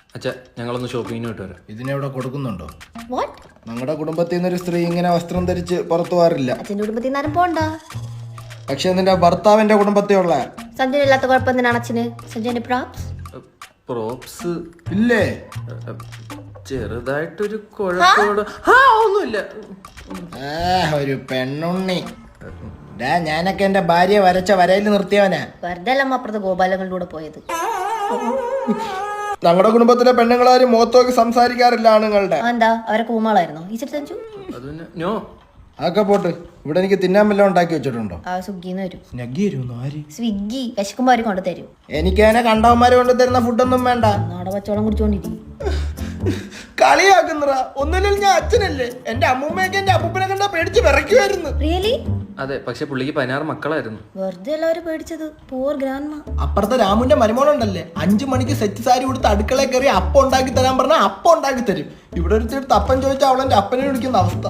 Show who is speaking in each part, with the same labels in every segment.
Speaker 1: അച്ഛാ ഞങ്ങളൊന്ന് ഷോപ്പിങ്ങിന് വിട്ട് വരാം.
Speaker 2: ഇതിനെവിടെ കൊടുക്കുന്നുണ്ടോ?
Speaker 3: What?
Speaker 2: ഞങ്ങളുടെ കുടുംബത്തിൽ നിന്നൊരു സ്ത്രീ ഇങ്ങനെ വസ്ത്രം ധരിച്ച് പുറത്തു പോകാറില്ല.
Speaker 3: അച്ഛൻ്റെ കുടുംബത്തിൽ നിന്നാരും പോണ്ട.
Speaker 2: പക്ഷെ നിന്റെ ഭർത്താവിന്റെ കുടുംബത്തിലുള്ള
Speaker 3: സഞ്ജുവിന് ഇല്ലാത്ത കുഴപ്പം എന്തിനാണ് അച്ഛന്? സഞ്ജുവിന്റെ പ്രോപ്സ്
Speaker 1: പ്രോപ്സ്
Speaker 2: ഇല്ലേ?
Speaker 1: ചെറുതായിട്ടൊരു കുഴപ്പമോട് ഒന്നുമില്ല.
Speaker 2: ഒരു പെണ്ണുണ്ണി. ഞാനൊക്കെ എന്റെ ഭാര്യ വരച്ച വരയിൽ നിർത്തിയവനാ.
Speaker 3: വെറുതെ അല്ലമ്മ അപ്പുറത്ത് ഗോപാലങ്ങളുടെ കൂടെ പോയത്.
Speaker 2: ഞങ്ങളുടെ കുടുംബത്തിലെ പെണ്ണുങ്ങളാരും മുഖത്തോക്ക് സംസാരിക്കാറില്ല ആണുങ്ങളുടെ.
Speaker 3: എന്താ അവരെ കൂമാളായിരുന്നോ ഈ സഞ്ജു?
Speaker 1: നോ
Speaker 2: അതൊക്കെ പോട്ട്. ഇവിടെ എനിക്ക് തിന്നാൻ വല്ലതും ഉണ്ടാക്കി വെച്ചിട്ടുണ്ടോ?
Speaker 3: സ്വിഗ്ഗിന്ന് വരും.
Speaker 2: ആര്?
Speaker 3: സ്വിഗ്ഗി വിശക്കുമ്പോ അവര് കൊണ്ടു തരും.
Speaker 2: എനിക്ക് അതിനെ കണ്ടവന്മാര് കൊണ്ട് തരുന്ന ഫുഡൊന്നും വേണ്ട.
Speaker 3: നാടെ പച്ചവെള്ളം കുടിച്ചോണ്ടിരിക്കും.
Speaker 2: കളിയാക്കുന്നറ. ഒന്നുമില്ല, ഞാൻ അച്ഛനല്ലേ. എന്റെ അമ്മൂമ്മയൊക്കെ എന്റെ അപ്പൂപ്പനെ കണ്ടാ പേടിച്ച് വിറയ്ക്കുമായിരുന്നു.
Speaker 3: റിയലി?
Speaker 1: അതെ, പക്ഷെ പുള്ളിക്ക് 16 മക്കളായിരുന്നു.
Speaker 3: വെറുതെ എല്ലാവരും പേടിച്ചത്. പൂർ ഗ്രാൻഡ്മ.
Speaker 2: അപ്പുറത്തെ രാമുന്റെ മരുമോളുണ്ടല്ലേ, 5 മണിക്ക് സെറ്റ് സാരി കൊടുത്ത് അടുക്കളയിൽ കയറി അപ്പം ഉണ്ടാക്കി തരാൻ പറഞ്ഞാൽ അപ്പം ഉണ്ടാക്കി തരും. ഇവിടെ ഒരു അപ്പൻ ചോദിച്ചാൽ അവളെന്റെ അപ്പനെ വിളിക്കുന്ന അവസ്ഥ.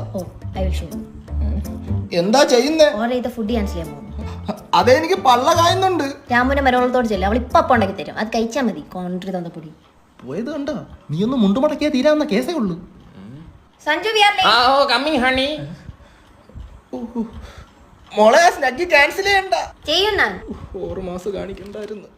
Speaker 2: എന്താ ചെയ്യുന്നേ?
Speaker 3: ഓർഡർ ചെയ്ത ഫുഡ് ക്യാൻസൽ ചെയ്യാൻ പോകുന്നു.
Speaker 2: അതെ, എനിക്ക് പള്ള കായുന്നുണ്ട്.
Speaker 3: രാമുന്റെ മരുമോളത്തോട് ചെല്ലും. അവൾ ഇപ്പൊ അപ്പം ഉണ്ടാക്കി തരും. അത് കഴിച്ചാൽ മതി. കോൺട്രി തന്ന പൊടി
Speaker 2: പോയത് കണ്ടോ? നീ ഒന്ന് മുണ്ടുമടക്കിയാ തീരാവുന്ന കേസേ ഉള്ളൂ.
Speaker 3: സഞ്ജു
Speaker 1: ഹണി
Speaker 2: മോളെ സ്നഗ്ഗി ക്യാൻസൽ ചെയ്യണ്ട.
Speaker 3: ചെയ്യും ഞാൻ.
Speaker 2: 4 മാസം കാണിക്കണ്ടായിരുന്നു.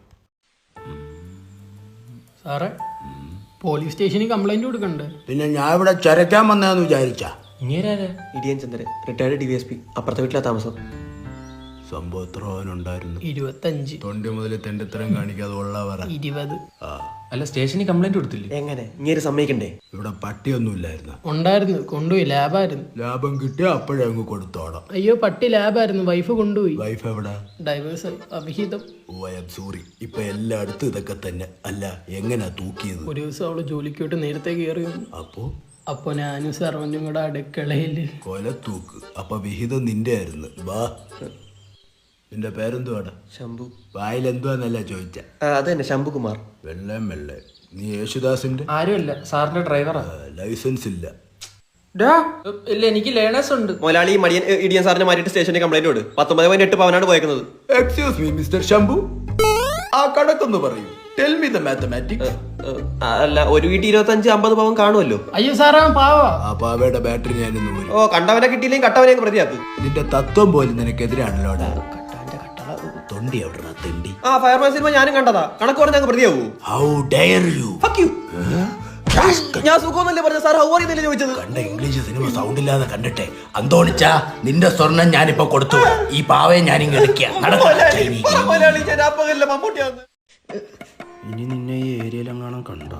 Speaker 4: സാറേ, പോലീസ് സ്റ്റേഷനിൽ കംപ്ലൈന്റ് കൊടുക്കണ്ടേ?
Speaker 5: പിന്നെ ഞാൻ ഇവിടെ ചരക്കാൻ വന്നതെന്ന് വിചാരിച്ച
Speaker 6: ഇടിയൻ ചന്ദ്രൻ, റിട്ടയർഡ് DVSP, അപ്പുറത്തെ വീട്ടിലാ താമസം.
Speaker 5: സംഭവം എത്ര ഉണ്ടായിരുന്നു?
Speaker 4: 25.
Speaker 5: തൊണ്ടി മുതൽ തെണ്ടിത്തരം കാണിക്കാതെ ഉള്ള പറ.
Speaker 4: 20.
Speaker 1: അല്ല, സ്റ്റേഷനിൽ കംപ്ലൈന്റ് കൊടുത്തില്ലേ?
Speaker 6: എങ്ങനെ ഇങ്ങനെ സമ്മതിക്കണ്ടേ?
Speaker 5: ഇവിടെ പട്ടിയൊന്നും ഇല്ലായിരുന്നു.
Speaker 4: ഉണ്ടായിരുന്നു, കൊണ്ടുപോയി. ലാബായിരുന്നു.
Speaker 5: ലാഭം കിട്ടിയ അപ്പോഴേ അങ്ങ് കൊടുത്തോടാം.
Speaker 4: അയ്യോ, പട്ടി ലാബായിരുന്നു. വൈഫ് കൊണ്ടുപോയി.
Speaker 5: വൈഫ് എവിടെ?
Speaker 4: ഡൈവേഴ്സ് അവിഹിതം.
Speaker 5: സോറി. ഇപ്പൊ എല്ലായിടത്തും ഇതൊക്കെ തന്നെ. അല്ല, എങ്ങനാ തൂക്കിയത്?
Speaker 4: ഒരു ദിവസം അവള് ജോലിക്ക് വിട്ട് നേരത്തെ കയറി വന്നു. അപ്പൊ ഞാനും സർവന്റും കൂടെ അടുക്കളയില്
Speaker 5: കൊല തൂക്ക്. അപ്പൊ വിഹിതം നിന്റെ ആയിരുന്നു. വാ, നിന്റെ പേരെന്തുവാടാ?
Speaker 6: ശംഭു.
Speaker 5: വായിലെന്തുവാന്നല്ല ചോദിച്ച.
Speaker 6: അത് തന്നെ, ശംഭുകുമാർ.
Speaker 5: വെള്ളം വെള്ളേ. നീ യേശുദാസിന്റെ?
Speaker 1: ആരുമല്ല, സാറിന്റെ ഡ്രൈവറാ.
Speaker 5: ലൈസൻസ് ഇല്ല.
Speaker 1: ഇല്ല, എനിക്ക് ലേണേഴ്സ് ഉണ്ട്.
Speaker 6: മൊലാളി മടിയൻ ഇടിയൻ സാറിനെ മാറ്റിയിട്ട് സ്റ്റേഷനിൽ കംപ്ലൈന്റ് കൊടു. 19.8 പവനാണ് പോയേക്കുന്നത്.
Speaker 5: എക്സ്ക്യൂസ് മീ മിസ്റ്റർ ശംഭു, ആ കണക്കൊന്ന് പറയൂ. Tell me the mathematics.
Speaker 6: അല്ല, ഒരു വീട്ടിൽ 25-50 പവൻ കാണുമല്ലോ.
Speaker 4: അയ്യോ സാറേ, പാവാ.
Speaker 5: ആ പാവയുടെ ബാറ്ററി ഞാനിന്ന് പോയി.
Speaker 6: കണ്ടവനെ കിട്ടിയില്ലെങ്കിൽ കട്ടവനെ പ്രതിയാക്ക്.
Speaker 5: നിന്റെ തത്വം പോലും നിനക്കെതിരാണല്ലോടാ. തൊണ്ടി എവിടെയാ തെണ്ടി?
Speaker 6: ഫയർമാൻ സിനിമ ഞാനും കണ്ടതാ. കണക്ക് പറഞ്ഞ പ്രതിയാവൂ.
Speaker 5: How dare you?
Speaker 6: ഞാൻ സുഖമൊന്നല്ലേ പറഞ്ഞ സാർ, ഹൗ അറിയുന്നില്ല ചോദിച്ചത്.
Speaker 5: കണ്ട ഇംഗ്ലീഷ് സിനിമ സൗണ്ട് ഇല്ലാതെ കണ്ടിട്ടെ. അന്തോണിച്ച, നിന്റെ സ്വർണം ഞാനിപ്പോ കൊടുത്തു. ഈ പാവയെ ഞാനിങ്ങ് എടുക്കാം. ഇനി നിന്നെ ഈ ഏരിയയിലെങ്ങാനും കണ്ടോ?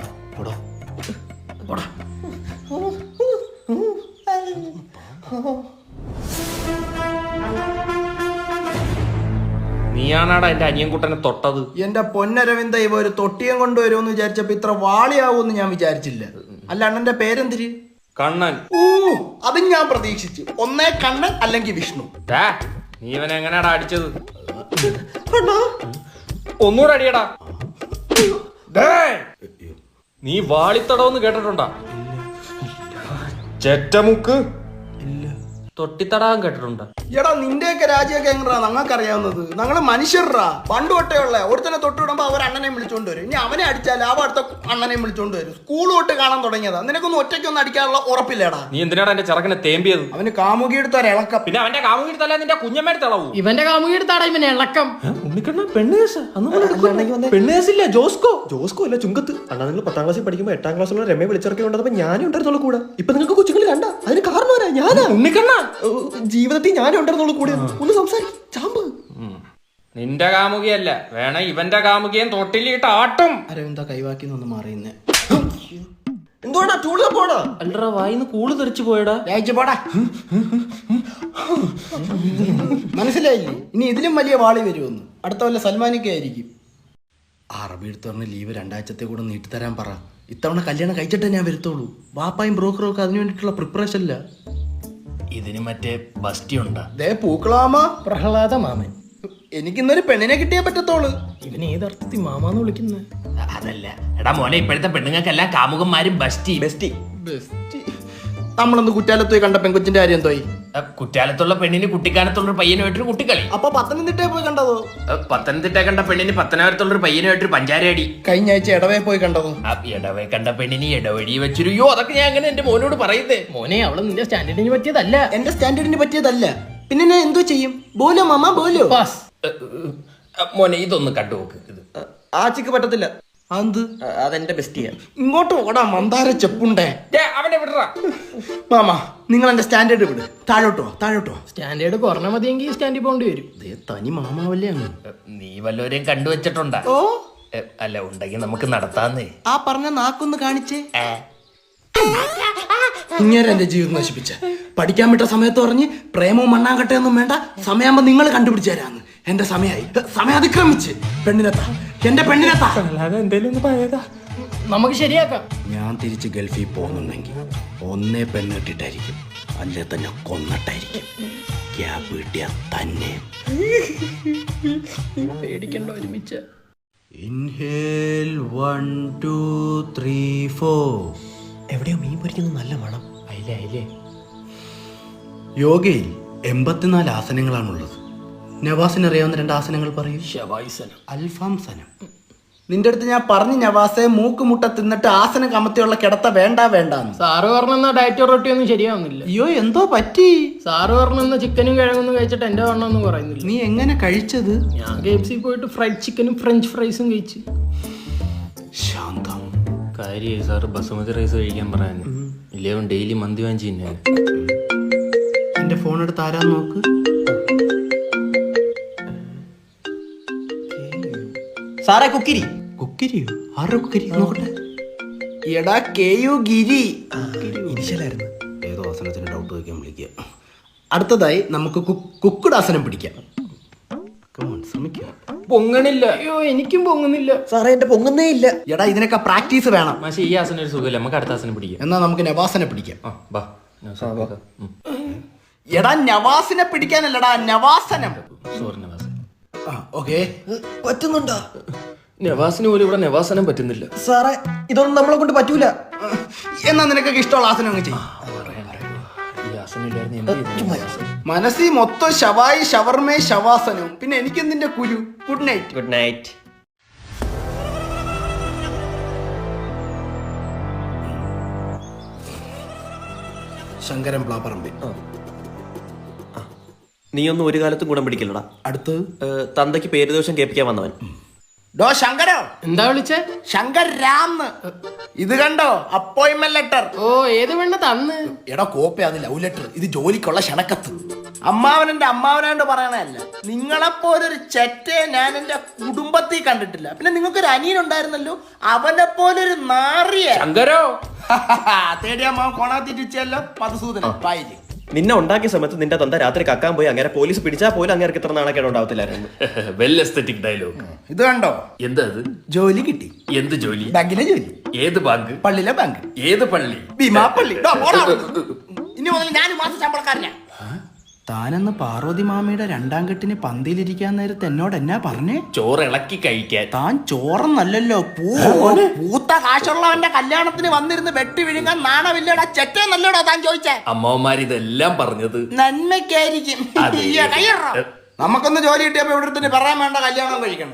Speaker 1: നീയാണാടാ എന്റെ അനിയൻകുട്ടനെ തൊട്ടത്.
Speaker 2: എന്റെ പൊന്നരവിന്ദ, ഇവ ഒരു തൊട്ടിയം കൊണ്ടുവരുമെന്ന് വിചാരിച്ചപ്പോ ഇത്ര വാളിയാവൂന്ന് ഞാൻ വിചാരിച്ചില്ല. അല്ല, അണ്ണന്റെ പേരെന്തിര്?
Speaker 1: കണ്ണൻ.
Speaker 2: അതും ഞാൻ പ്രതീക്ഷിച്ചു. ഒന്നേ കണ്ണൻ അല്ലെങ്കിൽ വിഷ്ണു.
Speaker 1: നീ ഇവനെ എങ്ങനെയാടാ അടിച്ചത്? ഒന്നുകൂടെ അടിയടാ. നീ വാളിത്തടവെന്ന് കേട്ടിട്ടുണ്ടാ? ചെറ്റമുക്ക് തൊട്ടിത്തടാകം കേട്ടിട്ടുണ്ടോ?
Speaker 2: എടാ, നിന്റെയൊക്കെ രാജ്യമൊക്കെ എങ്ങനെയാ ഞങ്ങൾക്കറിയാവുന്നത്? ഞങ്ങള് മനുഷ്യരാ. പണ്ട് തൊട്ടേ ഉള്ള ഒരുത്തനെ തൊട്ടിടുമ്പോ അവർ അണ്ണനെ വിളിച്ചോണ്ട് വരും. ഇനി അവനെ അടിച്ചാൽ അവ അടുത്ത അണ്ണനെ വിളിച്ചോണ്ട് വരും. സ്കൂൾ തൊട്ട് കാണാൻ തുടങ്ങിയതാ. നിനക്കൊന്നും ഒറ്റയ്ക്കൊന്നും അടിക്കാനുള്ള ഉറപ്പില്ലേടാ.
Speaker 1: നീ എന്തിനാടാ എന്റെ ചെറുക്കനെ തേമ്പിയത്?
Speaker 2: അവന് കാമുകി എടുത്താൽ ഇളക്കം.
Speaker 1: പിന്നെ അവന്റെ കാമുകി എടുത്തല്ല നിന്റെ കുഞ്ഞമ്മയുടെ തിളവൂ.
Speaker 4: ഇവന്റെ കാമുകി എടുത്താടാ ഇവനെ ഇളക്കം.
Speaker 1: പെണ്ണേസില്ല, ജോസ്കോ.
Speaker 6: ജോസ്കോ അല്ല, ചുങ്കത്ത്. അണ്ണാ, നിങ്ങൾ 10ാം ക്ലാസ്സിൽ പഠിക്കുമ്പോൾ 8ാം ക്ലാസ്സിലുള്ള രമയെ വിളിച്ചിറക്കി കൊണ്ടപ്പോ ഞാനും ഉണ്ടായിരുന്നുള്ളൂ കൂടെ. ഇപ്പൊ നിങ്ങൾക്ക് കൊച്ചുങ്ങൾ കണ്ട അതിന് കാരണം ആരാ? ഞാനാ.
Speaker 1: ഉണ്ണിക്കണ്ണ.
Speaker 6: ജീവിതത്തിൽ ഞാനും ഉണ്ടായിരുന്നുള്ളൂ കൂടെ. ഒന്ന് സംസാരിക്കും ചാമ്പ്.
Speaker 1: നിന്റെ കാമുകിയല്ല, വേണ ഇവന്റെ കാമുകിയും തൊട്ടിലിട്ട് ആട്ടും.
Speaker 2: അരവിന്ദ കൈവാക്കിന്നൊന്ന് മാറിയുന്നേ.
Speaker 6: എന്തുവാടാ ടൂളിൽ പോടാ?
Speaker 1: അല്ലടാ, വായിന്ന് കൂള് തെറിച്ചു പോയടാ.
Speaker 2: പോടാ. മനസ്സിലായില്ലേ? ഇനി ഇതിലും വലിയ വാളി വരുമെന്ന്. അടുത്ത വല്ല സൽമാനിക്കായിരിക്കും. അറബി എടുത്തറിന് ലീവ് 2 ആഴ്ചത്തെ കൂടെ നീട്ടിത്തരാൻ പറ. ഇത്തവണ കല്യാണം കഴിച്ചിട്ടേ ഞാൻ വരുത്തുള്ളൂ. വാപ്പായും ബ്രോക്കറും ഒക്കെ അതിനു വേണ്ടിയിട്ടുള്ള പ്രിപ്പറേഷനില്ല.
Speaker 5: ഇതിന് മറ്റേ ബസ്റ്റി ഉണ്ടാ?
Speaker 2: പൂക്കളാമ
Speaker 4: പ്രഹ്ലാദ മാമൻ.
Speaker 2: എനിക്കിന്നൊരു പെണ്ണിനെ കിട്ടിയേ പറ്റത്തോളൂ.
Speaker 4: ഇവന് ഏതർത്ഥത്തിൽ മാമാന്ന് വിളിക്കുന്നത്?
Speaker 5: അതല്ല എടാ മോനെ, ഇപ്പോഴത്തെ പെണ്ണുങ്ങൾക്കെല്ലാം കാമുകന്മാരും ബസ്റ്റി.
Speaker 6: ബെസ്റ്റി.
Speaker 2: നമ്മളൊന്ന് കുറ്റാലത്ത് പോയി കണ്ട പെൺകൊച്ചിന്റെ കാര്യം എന്തോയി?
Speaker 5: കുറ്റാലത്തുള്ള പെണ്ണിന് കുട്ടിക്കാലത്തുള്ള പയ്യനുമായിട്ടൊരു കുട്ടിക്കളി.
Speaker 2: അപ്പൊ പത്തനംതിട്ടയിൽ പോയി കണ്ടതോ?
Speaker 5: പത്തനംതിട്ട കണ്ട പെണ്ണിന് പത്തനാപുരത്തുള്ളൊരു പയ്യനുമായിട്ടൊരു പഞ്ചാരടി.
Speaker 2: കഴിഞ്ഞ ആഴ്ച ഇടവേ പോയി കണ്ടതോ?
Speaker 5: ഇടവേ കണ്ട പെണ്ണിന് ഇടവഴി വെച്ചൊരു യോ. അതൊക്കെ ഞാൻ അങ്ങനെ എന്റെ മോനോട് പറയുന്നേ.
Speaker 4: മോനെ അവള് നിന്റെ സ്റ്റാൻഡേർഡിന് പറ്റിയതല്ല.
Speaker 2: എന്റെ സ്റ്റാൻഡേർഡിന് പറ്റിയതല്ല. പിന്നെ ഞാൻ എന്തോ ചെയ്യും? ബോലോ മാമ ബോലോ.
Speaker 4: പാസ്.
Speaker 5: മോനെ ഇതൊന്ന് കണ്ടുനോക്ക്. ഇത്
Speaker 6: ആച്ചിക്ക് പറ്റത്തില്ല.
Speaker 2: അത്
Speaker 6: അതെന്റെ ബെസ്റ്റിയാ.
Speaker 2: ഇങ്ങോട്ട് ഓടാ മന്ദാര ചെപ്പുണ്ടേ.
Speaker 5: അവനെ വിടറാ.
Speaker 2: മാമ നിങ്ങൾ എന്റെ സ്റ്റാൻഡേർഡ് വിട്. താഴോട്ടോ.
Speaker 4: സ്റ്റാൻഡേർഡ് കുറഞ്ഞ മതിയെങ്കിൽ സ്റ്റാൻഡിൽ പോകേണ്ടി വരും.
Speaker 2: തനി മാമാവല്ലേ അങ്ങ്.
Speaker 5: നീ വല്ലവരെയും കണ്ടുവച്ചിട്ടുണ്ടാ?
Speaker 2: ഓ
Speaker 5: അല്ല, ഉണ്ടെങ്കിൽ നമുക്ക് നടത്താന്നേ.
Speaker 2: ആ പറഞ്ഞ നാക്കൊന്ന് കാണിച്ചേ. ഇങ്ങനെ എന്റെ ജീവിതം നശിപ്പിച്ച. പഠിക്കാൻ വിട്ട സമയത്ത് പറഞ്ഞ് പ്രേമവും മണ്ണാങ്കട്ടയൊന്നും വേണ്ട, സമയമാകുമ്പോ നിങ്ങൾ കണ്ടുപിടിച്ചു തരാന്ന്. എന്റെ സമയമായി. സമയം അതിക്രമിച്ച്. എന്റെ പെണ്ണിനെത്താ.
Speaker 4: നമുക്ക് ശരിയാക്കാം.
Speaker 2: ഞാൻ തിരിച്ച് ഗൾഫിൽ പോകുന്നുണ്ടെങ്കിൽ ഒന്നേ പെണ്ണ് കിട്ടിയിട്ടായിരിക്കും, അല്ലേ തന്നെ കൊന്നിട്ടായിരിക്കും. ക്യാബ് കിട്ടിയ തന്നെ.
Speaker 4: പേടിക്കണ്ട, ഒരുമിച്ച്.
Speaker 2: ഇൻഹേൽ 1 2 3 4.
Speaker 6: എവിടെയോ മീൻ പൊരിക്കുന്നത് നല്ല മണം.
Speaker 4: അയിലേ
Speaker 2: യോഗയിൽ 84 ആസനങ്ങളാണുള്ളത്. നവാസിന് അറിയാവുന്ന 2 ആസനങ്ങൾ പറയൂ.
Speaker 4: ശവായുസനം.
Speaker 2: അൽഫാം സനം. നിന്റെ അടുത്ത് ഞാൻ പറഞ്ഞു നവാസെ, മൂക്കുമുട്ട തിന്നിട്ട് ആസനം കമത്തിയുള്ള കിടത്ത വേണ്ടാന്ന്.
Speaker 4: സാറ് പറഞ്ഞ ഡയറ്റ് റൊട്ടി ഒന്നും ശരിയാവുന്നില്ല.
Speaker 2: അയ്യോ എന്തോ പറ്റി?
Speaker 4: സാറ് പറഞ്ഞ ചിക്കനും കിഴങ്ങൊന്നും കഴിച്ചിട്ട് എന്റെ വണ്ണമൊന്നും പറയുന്നില്ല.
Speaker 2: നീ എങ്ങനെ കഴിച്ചത്?
Speaker 4: ഞാൻ KFC പോയിട്ട് ഫ്രൈഡ് ചിക്കനും ഫ്രഞ്ച് ഫ്രൈസും കഴിച്ച്.
Speaker 2: ശാന്തം.
Speaker 1: കാര്യമായി സാറ് ബസുമതി റൈസ് കഴിക്കാൻ പറയാന്. ഇല്ലേ ഡെയിലി മന്തി വാങ്ങിച്ചു തിന്നാൻ.
Speaker 2: എന്റെ ഫോൺ എടുത്ത് ആരാ നോക്ക്.
Speaker 6: സാറേ കുക്കിരി.
Speaker 2: കുക്കിരിയോ? ആരുടെ കുക്കിരി? നോക്കട്ടെ. എടാ KU ഗിരി.
Speaker 6: ഇനിഷ്യലായിരുന്നു.
Speaker 2: ഏതോ ആസനത്തിന് ഡൗട്ട് വയ്ക്കാൻ വിളിക്കുക. അടുത്തതായി നമുക്ക് കുക്കുഡ് ആസനം പിടിക്കാം. ശ്രമിക്കുക.
Speaker 1: പൊങ്ങണില്ല.
Speaker 4: അയ്യോ എനിക്കും പൊങ്ങുന്നില്ല.
Speaker 6: സാറേ എന്റെ പൊങ്ങുന്നേ ഇല്ല.
Speaker 2: എടാ ഇതിനൊക്കെ പ്രാക്ടീസ് വേണം.
Speaker 1: പക്ഷേ ഈ ആസനം ഒരു സുഖമില്ല. നമുക്ക് അടുത്ത ആസനം പിടിക്കാം.
Speaker 2: എന്നാ നമുക്ക് നവാസനെ പിടിക്കാം.
Speaker 1: ബാ.
Speaker 2: എടാ നവാസിനെ പിടിക്കാനല്ലടാ, നവാസനം.
Speaker 1: സോറി നവാസ്.
Speaker 2: ഓക്കെ.
Speaker 6: പറ്റുന്നുണ്ടോ?
Speaker 1: നവാസിന് പോലും ഇവിടെ നവാസനം പറ്റുന്നില്ല.
Speaker 6: സാറേ ഇതൊന്നും നമ്മളെ കൊണ്ട് പറ്റൂല.
Speaker 2: എന്നാ നിനക്കൊക്കെ ഇഷ്ടമുള്ള ആസനം അങ്ങ് ചെയ്യും.
Speaker 1: ഈ ആസനം ഇല്ലായിരുന്നു.
Speaker 2: മനസ്സിൽ മൊത്തം ശവായി ഷവർമേ ശവാസനവും. പിന്നെ എനിക്കെന്തിന്റെ കുരു. Good night.
Speaker 6: Good night.
Speaker 2: Sankaran Plapparambil.
Speaker 6: നീയൊന്നും ഒരു കാലത്തും ഗുണം പിടിക്കില്ലടാ.
Speaker 2: അടുത്ത്
Speaker 6: തന്തയ്ക്ക് പേരുദോഷം കേൾപ്പിക്കാൻ വന്നവൻ.
Speaker 2: ഡോ ശങ്കരോ.
Speaker 4: എന്താ വിളിച്ചേ?
Speaker 2: ശങ്കർ രാം. ഇത് കണ്ടോ? Appointment letter.
Speaker 4: ഓ ഏത് വേണ്ട തന്ന്.
Speaker 2: എടാ കോപ്പി, അത് ലവ് ലെറ്റർ. ഇത് ജോലിക്കുള്ള ക്ഷണക്കത്ത്. അമ്മാവനെന്റെ അമ്മാവനാണ്ട് പറയണല്ല. നിങ്ങളെപ്പോലൊരു ചെറ്റയെ ഞാൻ എന്റെ കുടുംബത്തിൽ കണ്ടിട്ടില്ല. പിന്നെ നിങ്ങൾക്കൊരു അനിയനുണ്ടായിരുന്നല്ലോ, അവനെ പോലൊരു നാറിയ.
Speaker 1: ശങ്കരോ.
Speaker 2: തേടിയ അമ്മാവൻ കോണാത്തിച്ചല്ലോ. മധുസൂദനൻ പായില്.
Speaker 6: നിന്നെ ഉണ്ടാക്കിയ സമയത്ത് നിന്റെ തന്ത രാത്രി കക്കാൻ പോയി അങ്ങനെ പോലീസ് പിടിച്ചാൽ പോലും അങ്ങനെ ഇത്ര നാണക്കേട് ഉണ്ടാവത്തില്ലായിരുന്നു.
Speaker 1: Well aesthetic dialogue.
Speaker 2: ഇത് കണ്ടോ?
Speaker 1: എന്താ അത്?
Speaker 2: ജോലി കിട്ടി.
Speaker 1: എന്ത് ജോലി?
Speaker 2: ബാങ്കിലെ ജോലി.
Speaker 1: ഏത് ബാങ്ക്?
Speaker 2: പള്ളിയിലെ ബാങ്ക്.
Speaker 1: ഏത് പള്ളി?
Speaker 2: ഭീമാ പള്ളി. ഇനി മുതൽ ഞാൻ മാസം ശമ്പളക്കാരനാ. താനെന്ന് പാർവതി മാമയുടെ 2ാം കെട്ടിന് പന്തിയിലിരിക്കാൻ നേരത്ത് എന്നോട് എന്നാ പറഞ്ഞേ?
Speaker 1: ചോറ് ഇളക്കി കഴിക്കാൻ.
Speaker 2: താൻ ചോറന്നല്ലോ, പൂത്ത കാശുള്ളവന്റെ കല്യാണത്തിന് വന്നിരുന്ന് വെട്ടി വിഴുങ്ങാൻ നാണമില്ലടാ ചെറ്റേ നല്ലോടാ താൻ ചോദിച്ചേ.
Speaker 1: അമ്മമാർ ഇതെല്ലാം പറഞ്ഞത്
Speaker 2: നന്മയ്ക്കായിരിക്കും. നമുക്കൊന്ന് ജോലി കിട്ടിയപ്പോ ഇവിടെ തന്നെ പറയാൻ വേണ്ട കല്യാണം കഴിക്കണ്ട.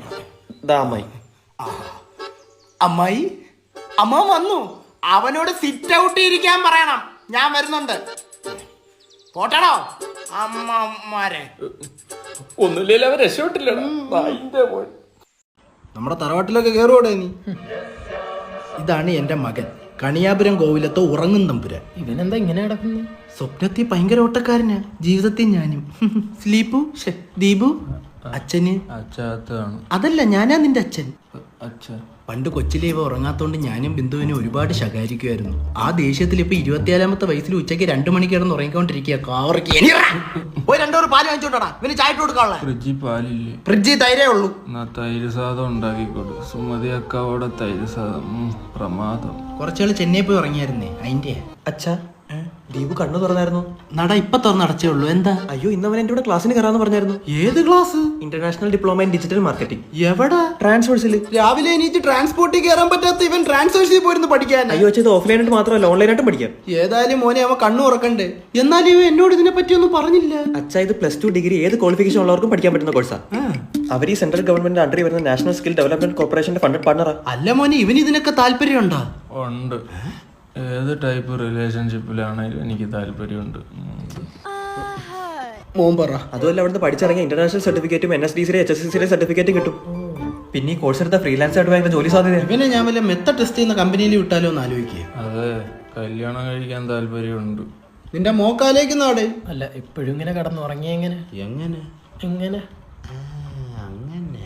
Speaker 2: അമ്മായി അമ്മ വന്നു. അവനോട് സിറ്റ് ഔട്ട് ഇരിക്കാൻ പറയണം. ഞാൻ വരുന്നുണ്ട്. പോട്ടടോ അമ്മമാരെ.
Speaker 1: ഒന്നുമില്ല, അവർ രക്ഷപ്പെട്ടില്ലടാ.
Speaker 2: നമ്മുടെ തറവാട്ടിലൊക്കെ കയറുകൂടെ നീ? ഇതാണ് എന്റെ മകൻ, കണിയാപുരം കോവിലത്തെ ഉറങ്ങും തമ്പുരാൻ.
Speaker 4: ഇവനെന്താ ഇങ്ങനെ കിടക്കുന്നു?
Speaker 2: സ്വപ്നത്തിൽ ഭയങ്കര ഓട്ടക്കാരനാ, ജീവിതത്തിൽ ഞാനും. സ്ലീപ്പു ദീപു അച്ഛന് അതല്ല, ഞാനാ നിന്റെ അച്ഛൻ. പണ്ട് കൊച്ചിലെ ഇവ ഉറങ്ങാത്തോണ്ട് ഞാനും ബിന്ദുവിനെ ഒരുപാട് ശകാരിക്കുമായിരുന്നു. ആ ദേഷ്യത്തിൽ ഇപ്പൊ 24ാമത്തെ വയസ്സിൽ ഉച്ചയ്ക്ക് 2 മണിക്ക് കിടന്ന് ഉറങ്ങിക്കൊണ്ടിരിക്കുക. പോയി 2 പാല് വാങ്ങിച്ചോട്ടാ. ഇവന് ചായ ഇട്ട് കൊടുക്കാനുള്ള
Speaker 1: ഫ്രിഡ്ജിൽ പാലില്ലേ?
Speaker 2: ഫ്രിഡ്ജിൽ തൈരേ ഉള്ളൂ.
Speaker 1: തൈര് സാധം ഉണ്ടാക്കിക്കൊടു. സുമതി അക്കാവോടെ തൈര് സാധം പ്രമാദം.
Speaker 2: കുറച്ചാള് ചെന്നൈ പോയി ഉറങ്ങിയായിരുന്നേ, അതിന്റെ.
Speaker 6: അച്ഛാ ദീപു കണ്ണു തുറന്നായിരുന്നു.
Speaker 2: നട ഇപ്പൊ തുറന്നടച്ചേ ഉള്ളൂ. എന്താ?
Speaker 6: അയ്യോ ഇന്ന് അവൻ എന്റെ കൂടെ ക്ലാസ്സിന് കയറാന്ന് പറഞ്ഞായിരുന്നു.
Speaker 2: ഏത് class?
Speaker 6: International diploma in digital marketing.
Speaker 2: എവിടെ?
Speaker 6: ട്രാൻസ്ഫോഴ്സിൽ.
Speaker 2: രാവിലെ എണീറ്റ് ട്രാൻസ്പോർട്ടിൽ കയറാൻ പറ്റാത്ത ഇവൻ ട്രാൻസ്ഫേഴ്സിൽ പോയിരുന്നു പഠിക്കാൻ.
Speaker 6: അയ്യോ ഇത് ഓഫ്ലൈനായിട്ട് മാത്രമല്ല ഓൺലൈനായിട്ടും പഠിക്കാം.
Speaker 2: ഏതായാലും മോനെ അവൻ കണ്ണു ഉറക്കണ്ടേ. എന്നാലും ഇവ എന്നോട് ഇതിനെ പറ്റി ഒന്നും പറഞ്ഞില്ല.
Speaker 6: അച്ഛാ ഇത് +2 ഡിഗ്രി ഏത് ക്വാളിഫിക്കേഷൻ ഉള്ളവർക്കും പഠിക്കാൻ പറ്റുന്ന കോഴ്സാ. അവർ ഈ സെൻട്രൽ ഗവൺമെന്റ് അണ്ടറിൽ വരുന്ന നാഷണൽ സ്കിൽ ഡെവലപ്മെന്റ് കോർപ്പറേഷന്റെ ഫണ്ടഡ് പാർട്ണറാ.
Speaker 2: അല്ല മോനെ ഇവന് ഇതിനൊക്കെ താല്പര്യമുണ്ടോ?
Speaker 1: ഉണ്ട്. ഏത് ടൈപ്പ് റിലേഷൻഷിപ്പിലാണെങ്കിലും എനിക്ക് താല്പര്യമുണ്ട്.
Speaker 2: മോൻ പറ.
Speaker 6: അതുമല്ല അവിടുന്ന് പഠിച്ചിറങ്ങിയ ഇന്റർനാഷണൽ സർട്ടിഫിക്കറ്റും NSDC HSCC സർട്ടിഫിക്കറ്റും കിട്ടും. പിന്നെ ഈ കോഴ്സ് എടുത്ത ഫ്രീലാൻസ് ആയിട്ട് ഭയങ്കര ജോലി സാധ്യത.
Speaker 2: ഇവനെ ഞാൻ വല്ല മെത്ത ടെസ്റ്റ് ചെയ്യുന്ന കമ്പനിയിൽ വിട്ടാലോ എന്ന് ആലോചിക്കുക.
Speaker 1: അതെ, കല്യാണം കഴിക്കാൻ താല്പര്യമുണ്ട്.
Speaker 2: നിന്റെ മോക്കാലേക്ക് നാട്.
Speaker 4: അല്ല ഇപ്പോഴും ഇങ്ങനെ കടന്നുറങ്ങിയ എങ്ങനെ
Speaker 2: എങ്ങനെ
Speaker 4: എങ്ങനെ
Speaker 2: അങ്ങനെ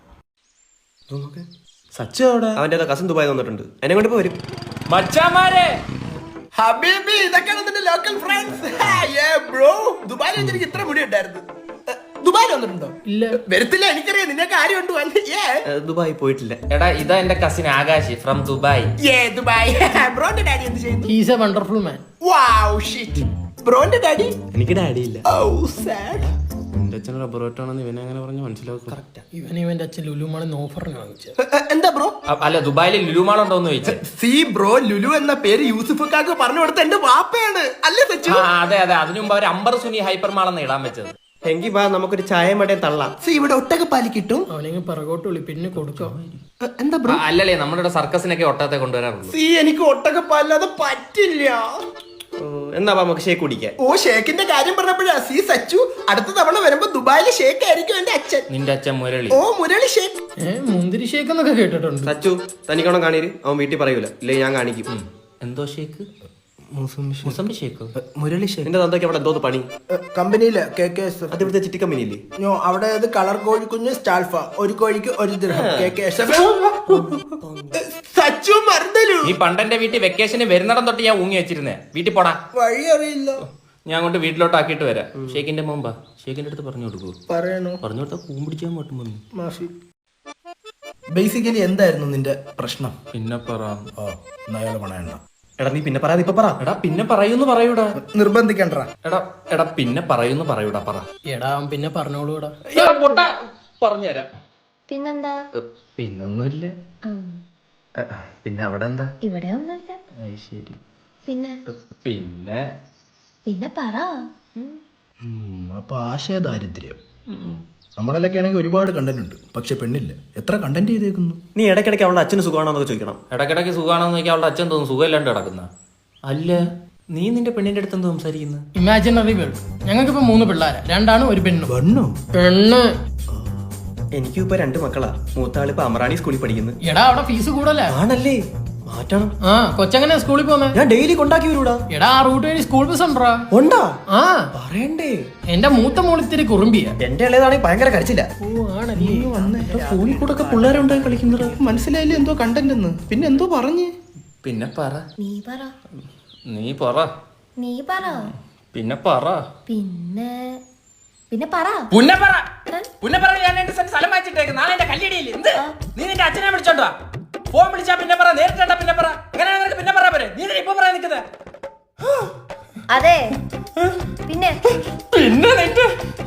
Speaker 6: സച്ചു അവിടെ അവന്റെ കസിൻ ദുബായി വന്നിട്ടുണ്ട്. എന്നെ കൊണ്ട് ഇപ്പൊ വരും.
Speaker 1: മച്ചാമാരെ,
Speaker 2: ഹബീബി, ഇതൊക്കെയാണ് നിന്റെ ലോക്കൽ ഫ്രണ്ട്സ്. ബ്രോ, ദുബായിൽ വെച്ചിട്ട് ഇത്ര മുടി ഉണ്ടായിരുന്നു. ദുബായിൽ വന്നിട്ടുണ്ടോ?
Speaker 4: ഇല്ല.
Speaker 2: വരത്തില്ല, എനിക്കറിയാം. നിന്നെ കാര്യമുണ്ട്.
Speaker 6: ദുബായി പോയിട്ടില്ല.
Speaker 1: എടാ ഇതാ എന്റെ കസിൻ ആകാശ് ഫ്രം ദുബായ്.
Speaker 2: ദുബായ്. ബ്രോന്റെ ഡാഡി എന്ത് ചെയ്യുന്നു?
Speaker 4: He's a wonderful man.
Speaker 2: Wow shit. ബ്രോന്റെ ഡാഡി?
Speaker 6: എനിക്ക് ഡാഡി ഇല്ല.
Speaker 2: സാഡ്.
Speaker 1: എന്റെ അച്ഛൻ റബ്ബർ വെട്ടാണെന്ന് ഇവനെ അങ്ങനെ പറഞ്ഞ് മനസ്സിലാക്കും.
Speaker 4: ഇവന്റെ അച്ഛൻ ലുലുമാണെന്ന് ഓഫറിന് വാങ്ങിച്ചത്.
Speaker 2: എന്താ ബ്രോ?
Speaker 1: അല്ല ദുബായിൽ ലുലുമാളുണ്ടോന്ന് ചോദിച്ചു.
Speaker 2: സി ബ്രോ, ലുലു എന്ന പേര് യൂസുഫക്കാക്ക് പറഞ്ഞു കൊടുത്ത എന്റെ വാപ്പയാണ് അല്ലേ സച്ചു?
Speaker 1: അതെ അതെ, അതിനു മുമ്പ് അവർ അമ്പർ സുനി ഹൈപ്പർ മാളെന്ന് ഇടാൻ വെച്ചത്.
Speaker 6: എങ്കിൽ വാ നമുക്കൊരു ചായ മടയും തള്ളാം.
Speaker 2: സി ഇവിടെ ഒട്ടകപ്പാലി കിട്ടും.
Speaker 4: അവനെങ്കിൽ പിറകോട്ട് വിളി, പിന്നെ കൊടുക്കാം.
Speaker 2: എന്താ ബ്രോ?
Speaker 1: അല്ലല്ലേ, നമ്മുടെ ഇവിടെ സർക്കസിനൊക്കെ ഒട്ടത്തെ കൊണ്ടുവരാറുള്ളൂ.
Speaker 2: സി എനിക്ക് ഒട്ടകപ്പാലില്ലാതെ പറ്റില്ല.
Speaker 6: എന്നാ നമുക്ക് ഷേക്ക് കുടിക്കാൻ.
Speaker 2: ഓ, ഷേക്കിന്റെ കാര്യം പറഞ്ഞപ്പോഴാ സി സച്ചു, അടുത്ത തവണ വരുമ്പോ ദുബായിലെ ഷേക്ക് ആയിരിക്കും എന്റെ അച്ഛൻ.
Speaker 1: നിന്റെ അച്ഛൻ മുരളി.
Speaker 2: ഓ മുരളി ഷേക്ക്.
Speaker 4: മുന്തിരി ഷേക്ക് എന്നൊക്കെ കേട്ടിട്ടുണ്ട്.
Speaker 6: സച്ചു തനിക്കോണം കാണീര്, അവൻ വീട്ടിൽ പറയൂല. ഇല്ലേ ഞാൻ കാണിക്കും.
Speaker 1: എന്തോ ഷേക്ക്? മുസംബി ഷേക്കോ?
Speaker 2: മുരളി ഷേക്ക്.
Speaker 6: എന്റെ തന്തയ്ക്ക് അവിടെ എന്തോ പണി.
Speaker 2: കമ്പനിയില് KKS.
Speaker 6: അത് ഇവിടുത്തെ ചിട്ടി കമ്പനിയില്ലേ?
Speaker 2: അവിടെ കളർ കോഴിക്കുഞ്ഞ് സ്റ്റാൽഫ, ഒരു കോഴിക്ക് 1 ദിർഹം. KKS. സച്ചു മറന്നലു.
Speaker 1: നീ പണ്ടെന്റെ വീട്ടിൽ വെക്കേഷന് വരുന്നിടം തൊട്ട് ഞാൻ ഊങ്ങി വെച്ചിരുന്നേ. വീട്ടിൽ പോടാ.
Speaker 2: വഴി അറിയില്ല.
Speaker 1: ഞാൻ കൊണ്ട് വീട്ടിലോട്ട് ആക്കിയിട്ട് വരാം. ഷേക്കിന്റെ മുമ്പാ. ഷേക്കിന്റെ അടുത്ത് പറഞ്ഞു കൊടുക്കൂ.
Speaker 2: പറയണോ?
Speaker 1: പറഞ്ഞു കൊടുത്താൽ കൂമ്പിടിച്ചാൽ മട്ടും വന്നു.
Speaker 2: മാഫി. ബേസിക്കലി എന്തായിരുന്നു നിന്റെ പ്രശ്നം?
Speaker 1: പിന്നെ പറ.
Speaker 2: അയാള് പണയണ്ട.
Speaker 6: എടാ നീ പിന്നെ പറയാതെ ഇപ്പൊ പറ.
Speaker 1: എടാ പിന്നെ പറയൂന്ന് പറയൂടാ.
Speaker 2: നിർബന്ധിക്കണ്ട.
Speaker 1: എടാ പിന്നെ പറയൂന്ന് പറയൂടാ. പറ.
Speaker 4: എടാ അവൻ പിന്നെ പറഞ്ഞോളൂടാ.
Speaker 1: പറഞ്ഞുതരാം.
Speaker 3: പിന്നെന്താ?
Speaker 1: പിന്നൊന്നുമില്ല. പിന്നെ അവിടെ എന്താ?
Speaker 3: ഇവിടെ ഒന്നുമില്ല.
Speaker 1: ശരി.
Speaker 3: പിന്നെ
Speaker 1: പിന്നെ
Speaker 3: പിന്നെ പറ.
Speaker 2: അപ്പൊ ആശയദാരിദ്ര്യം. നമ്മളൊക്കെ ആണെങ്കിൽ ഒരുപാട് കണ്ടന്റ് ഉണ്ട്, പക്ഷെ പെണ്ണില്ല. എത്ര കണ്ടന്റ് ചെയ്തേക്കുന്നു.
Speaker 6: നീ ഇടയ്ക്കിടയ്ക്ക് അവളുടെ അച്ഛന് സുഖമാണോന്നൊക്കെ ചോദിക്കണം.
Speaker 1: ഇടയ്ക്കിടയ്ക്ക് സുഖമാണെന്ന് നോക്കി അവളുടെ അച്ഛൻ തോന്നുന്നു സുഖമില്ലാണ്ട് കിടക്കുന്ന. അല്ല നീ നിന്റെ പെണ്ണിന്റെ അടുത്ത് എന്തോ സംസാരിക്കുന്നു?
Speaker 4: Imaginary world. ഞങ്ങൾക്കിപ്പോ 3 പിള്ളേരാ, 2 ആണും 1 പെണ്ണും.
Speaker 2: പെണ്ണോ?
Speaker 4: പെണ്ണ്.
Speaker 6: എനിക്കും ഇപ്പൊ 2 മക്കളാ. മൂത്താള് ഇപ്പൊ അമറാണി സ്കൂളിൽ പഠിക്കുന്നു.
Speaker 4: എടാ അവിടെ ഫീസ് കൂടല്ലേ?
Speaker 6: ആണല്ലേ, മാറ്റണം.
Speaker 4: കൊച്ചങ്ങനെ സ്കൂളിൽ പോന്നെ?
Speaker 6: ഞാൻ ഡെയിലി കൊണ്ടാക്കി വരൂടാ.
Speaker 4: എടാ ആ റൂട്ട് വഴി സ്കൂൾ ബസ് ഉണ്ടാ?
Speaker 6: ഉണ്ടാ?
Speaker 4: ആ
Speaker 6: പറയണ്ടേ.
Speaker 4: എന്റെ മൂത്ത മോളിത്തിരി കുറുമ്പിയ.
Speaker 6: എന്റെ ഇളയതാണെങ്കിൽ ഭയങ്കര കരച്ചില്ല.
Speaker 4: ഓ ആണല്ലേ.
Speaker 6: ഫോണിൽ കൂടെ ഒക്കെ പിള്ളേരുണ്ടായി കളിക്കുന്നത്.
Speaker 2: മനസ്സിലായില്ലേ എന്തോ കണ്ടന്റ് എന്ന്? പിന്നെ എന്തോ പറഞ്ഞ്?
Speaker 1: പിന്നെ പറ.
Speaker 3: നീ പറ.
Speaker 1: നീ പറ.
Speaker 3: നീ പറ.
Speaker 1: പിന്നെ പറ.
Speaker 3: പിന്നെ പിന്നെ പറ.
Speaker 1: പുന്നപ്പറ. പുന്നപ്പറ ഞാൻ 2 സെന്റ് സ്ഥലം വാങ്ങിച്ചിട്ടേക്ക്. നാളെ എന്റെ കല്യാണിയില്ലേ? എന്ത്? നീ നിന്റെ അച്ഛനെ വിളിച്ചോണ്ട് വാ. ഫോൺ വിളിച്ചാ പിന്നെ പറ. നേരിട്ടാ പിന്നെ പറ. എങ്ങനെ നിനക്ക് പിന്നെ പറയാ പോരെ? നീ ഇപ്പൊ പറയാൻ നിൽക്കുന്നത്?
Speaker 3: അതെ പിന്നെ
Speaker 1: പിന്നെ നിന്റെ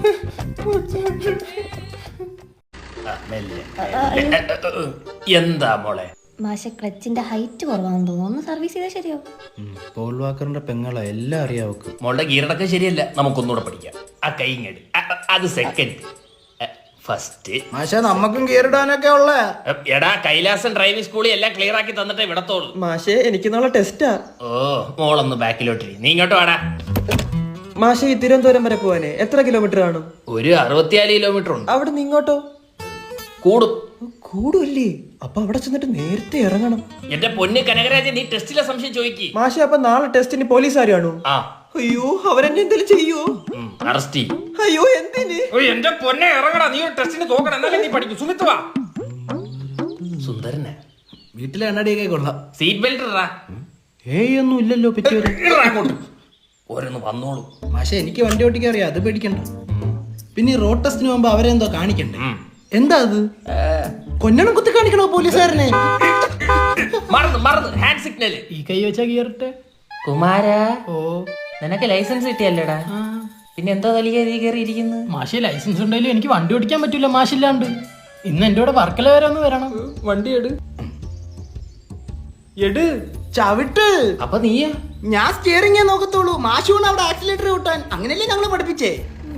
Speaker 1: എന്താ മോളെ?
Speaker 3: മാഷ ക്ലച്ചിന്റെ ഹൈറ്റ് കുറവാണെന്ന് തോന്നുന്നു. ഒന്ന് സർവീസ് ചെയ്താൽ ശരിയോ?
Speaker 2: പോൾ വാക്കറിന്റെ പെങ്ങളെ എല്ലാം അറിയാവക്ക്.
Speaker 1: മോളുടെ ഗീറടക്കം ശരിയല്ല. നമുക്കൊന്നുകൂടെ പഠിക്കാം. ആ കൈങ്ങടി അത് സെക്കൻഡ്. ഫസ്റ്റ്
Speaker 2: മാഷ നമ്മക്കും കീറിടാനൊക്കെ ഉള്ള.
Speaker 1: എടാ കൈലാസൻ ഡ്രൈവിംഗ് സ്കൂളിൽ എല്ലാം ക്ലിയർ ആക്കി തന്നിട്ടേ വിടത്തോളൂ.
Speaker 6: മാഷേ എനിക്ക് നാളെ ടെസ്റ്റാ.
Speaker 1: ഓ മോളൊന്ന് ബാക്കിലോട്ടിരി. നീ ഇങ്ങോട്ട് വാടാ.
Speaker 6: മാഷേ ഈ തിരുവനന്തപുരം വരെ പോവാനേ എത്ര കിലോമീറ്റർ കാണും?
Speaker 1: ഒരു 64 കിലോമീറ്റർ ഉണ്ട്.
Speaker 6: അവിടെ നിന്ന് ഇങ്ങോട്ടോ?
Speaker 1: കൂടും.
Speaker 6: കൂടുമല്ലേ? അപ്പൊ അവിടെ ചെന്നിട്ട് നേരത്തെ ഇറങ്ങണം.
Speaker 1: എന്റെ പൊന്ന് കനകരാജൻ, നീ ടെസ്റ്റിലെ സംശയം ചോദിക്കി.
Speaker 6: മാഷേ അപ്പൊ നാളെ ടെസ്റ്റിന് പോലീസുകാരാണോ?
Speaker 1: ആ.
Speaker 6: അയ്യോ അവരെന്നെ എന്തെങ്കിലും ചെയ്യോ?
Speaker 1: അറസ്റ്റ് ചെയ്യും.
Speaker 6: അയ്യോ എന്തിന്?
Speaker 1: എന്റെ പൊന്നെ ഇറങ്ങടാ. നീ ഒരു ടെസ്റ്റിന് തോക്കണം, എന്നാലേ നീ പഠിക്കും. സുമിത്ത് വാ. സുന്ദരനെ
Speaker 2: വീട്ടിലെ എണ്ണടിയൊക്കെ കൊള്ളാം.
Speaker 1: സീറ്റ് ബെൽറ്റ് ഇടാ.
Speaker 2: ഒന്നും ഇല്ലല്ലോ പറ്റിയത്.
Speaker 1: അങ്ങോട്ട് ഓരോന്ന് വന്നോളൂ.
Speaker 2: മാഷെ എനിക്ക് വണ്ടി ഓട്ടിക്കാൻ അറിയാം, അത് പേടിക്കണ്ട. പിന്നെ ഈ റോഡ് ടെസ്റ്റിന് മുമ്പ് അവരെന്തോ കാണിക്കണ്ടേ? എന്താ അത്? കൊഞ്ഞണം കുത്തി കാണിക്കണോ പോലീസുകാരനെ?
Speaker 1: മറന്നു ഹാൻഡ് സിഗ്നൽ.
Speaker 4: ഈ കൈ വെച്ചാ കീറട്ടെ.
Speaker 1: കുമാര
Speaker 4: ഓ
Speaker 1: നിനക്ക് ലൈസൻസ് കിട്ടിയല്ലേടാ പിന്നെ എന്തോ തലിക കയറിയിരിക്കുന്നു.
Speaker 4: മാഷെ ലൈസൻസ് ഉണ്ടെങ്കിലും എനിക്ക് വണ്ടി ഓടിക്കാൻ പറ്റൂല മാഷില്ലാണ്ട്. ഇന്ന് എന്റെ കൂടെ വർക്കല വരെ ഒന്ന് വരണം.
Speaker 6: വണ്ടി എട്
Speaker 2: ചവിട്ട്.
Speaker 1: അപ്പൊ നീയാ?
Speaker 2: ഞാൻ സ്റ്റിയറിംഗേ നോക്കത്തുള്ളൂ. മാഷൂണ് അവിടെ ആക്സിലേറ്റർ കൂട്ടാൻ. അങ്ങനെയല്ലേ ഞങ്ങളെ പഠിപ്പിച്ചേ.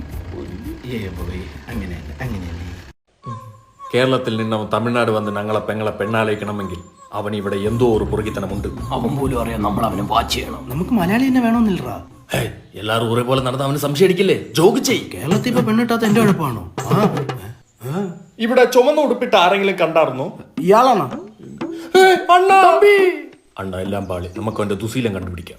Speaker 2: അങ്ങനെയല്ലേ
Speaker 7: കേരളത്തിൽ നിന്നവൻ തമിഴ്നാട് വന്ന് ഞങ്ങളെ പെങ്ങളെ പെണ്ണാലയിക്കണമെങ്കിൽ അവൻ ഇവിടെ എന്തോ ഒരു പുറകിത്തനമുണ്ട്.
Speaker 5: അവൻ പോലും അറിയാം നമ്മൾ അവനെ വാച്ച് ചെയ്യണം.
Speaker 2: നമുക്ക് മലയാളി തന്നെ വേണമെന്നില്ലറാ.
Speaker 7: എല്ലാരും ഒരേപോലെ നടന്ന അവന് സംശയിക്കില്ലേ? ജോഗ് ചെയ്.
Speaker 2: കേരളത്തിൽ ഇപ്പൊ പെണ്ണിട്ടാത്ത എന്റെ കുഴപ്പമാണോ?
Speaker 6: ഇവിടെ ചുമന്ന ഉടുപ്പിട്ട് ആരെങ്കിലും കണ്ടായിരുന്നോ?
Speaker 2: ഇയാളാണോ?
Speaker 7: അണ്ണ എല്ലാം പാളി. നമുക്ക് അവന്റെ ദുശീലം കണ്ടുപിടിക്കാം.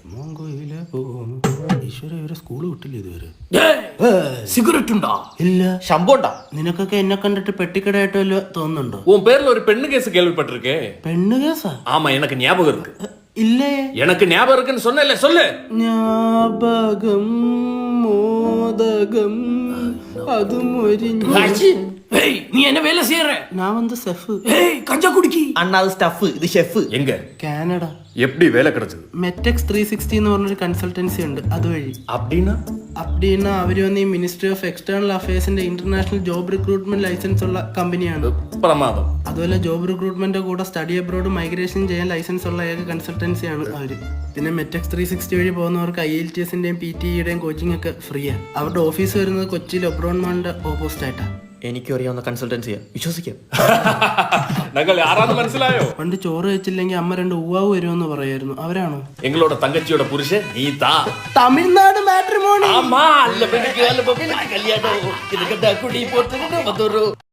Speaker 2: ഈശ്വര ഇവരെ സ്കൂള് വിട്ടില്ല ഇതുവരെ.
Speaker 5: സിഗരറ്റ് ഉണ്ടോ?
Speaker 2: ഇല്ല.
Speaker 6: ശമ്പുണ്ടാ?
Speaker 2: നിനക്കൊക്കെ എന്നെ കണ്ടിട്ട് പെട്ടിക്കടയായിട്ട് വല്ല തോന്നുന്നുണ്ടോ?
Speaker 7: உன் பேர்ல ஒரு பெண்ணு கேஸ் கேள்விப்பட்டிருக்கே.
Speaker 2: പെണ്ണ് കേസാ?
Speaker 7: ஆமா எனக்கு ஞாபகம் இருக்கு.
Speaker 2: ഇല്ലേ.
Speaker 7: எனக்கு ஞாபகம் இருக்குன்னு சொன்னேல்ல, சொல்லு.
Speaker 2: ஞாபகம் மோதகம் அது மொரிஞ்சு.
Speaker 5: ஏய் நீ என்ன வேலை செய்யற?
Speaker 2: நான் வந்து செஃப்.
Speaker 5: ஏய் கஞ்சா குடிக்கி.
Speaker 6: അണ്ണാ അത് സ്റ്റഫ്, ഇത് ഷെഫ്.
Speaker 7: எங்க
Speaker 2: കാനഡ.
Speaker 7: எப்படி வேலை கிடைச்சது?
Speaker 2: മെറ്റെക്സ് 360 എന്ന് പറഞ്ഞൊരു കൺസൾട്ടൻസി ഉണ്ട്, അതുവഴി.
Speaker 7: அப்படின்னா
Speaker 2: അപ്പടിന്നാ അവര് വന്ന് ഈ മിനിസ്ട്രി ഓഫ് എക്സ്റ്റേണൽ അഫയേഴ്സിന്റെ ഇന്റർനാഷണൽ ജോബ് റിക്രൂട്ട്മെന്റ് ലൈസൻസ് ഉള്ള കമ്പനിയാണ്.
Speaker 7: பிரமாதம்.
Speaker 2: അതുപോലെ ജോബ് റിക്രൂട്ട്മെന്റ് കൂടെ സ്റ്റഡി അബ്രോഡ് മൈഗ്രേഷൻ ചെയ്യാൻ ലൈസൻസ് ഉള്ള ഏക കൺസൾട്ടൻസിയാണ് അവര്. പിന്നെ മെറ്റെക്സ് 360 വഴി പോകുന്നവർക്ക് IELTSന്റെയും PTEയുടെയും കോച്ചിങ് ഒക്കെ ഫ്രീയാണ്. അവരുടെ ഓഫീസ് വരുന്നത് കൊച്ചിയിൽ ഒബ്രോൺ മോളിന്റെ ഓപ്പോസിറ്റ് ആയിട്ടാണ്.
Speaker 6: എനിക്കും അറിയാവുന്ന കൺസൾട്ടൻസിയാ, വിശ്വസിക്കാം.
Speaker 7: ഞങ്ങൾ ആരാന്ന് മനസ്സിലായോ?
Speaker 2: പണ്ട് ചോറ് വെച്ചില്ലെങ്കിൽ അമ്മ 2 ഉവാവ് വരുമെന്ന് പറയായിരുന്നു. അവരാണോ?
Speaker 7: எங்களோட தங்கச்சியோட புருஷன் நீ தான்.
Speaker 2: തമിഴ്നാട് മാട്രിമോണി.
Speaker 7: ஆமா அல்ல பெண்ணுக்கு அல்ல பெண்ணு கல்யாணம் இதுக்கிட்ட குடி போட்டு வந்து ஒரு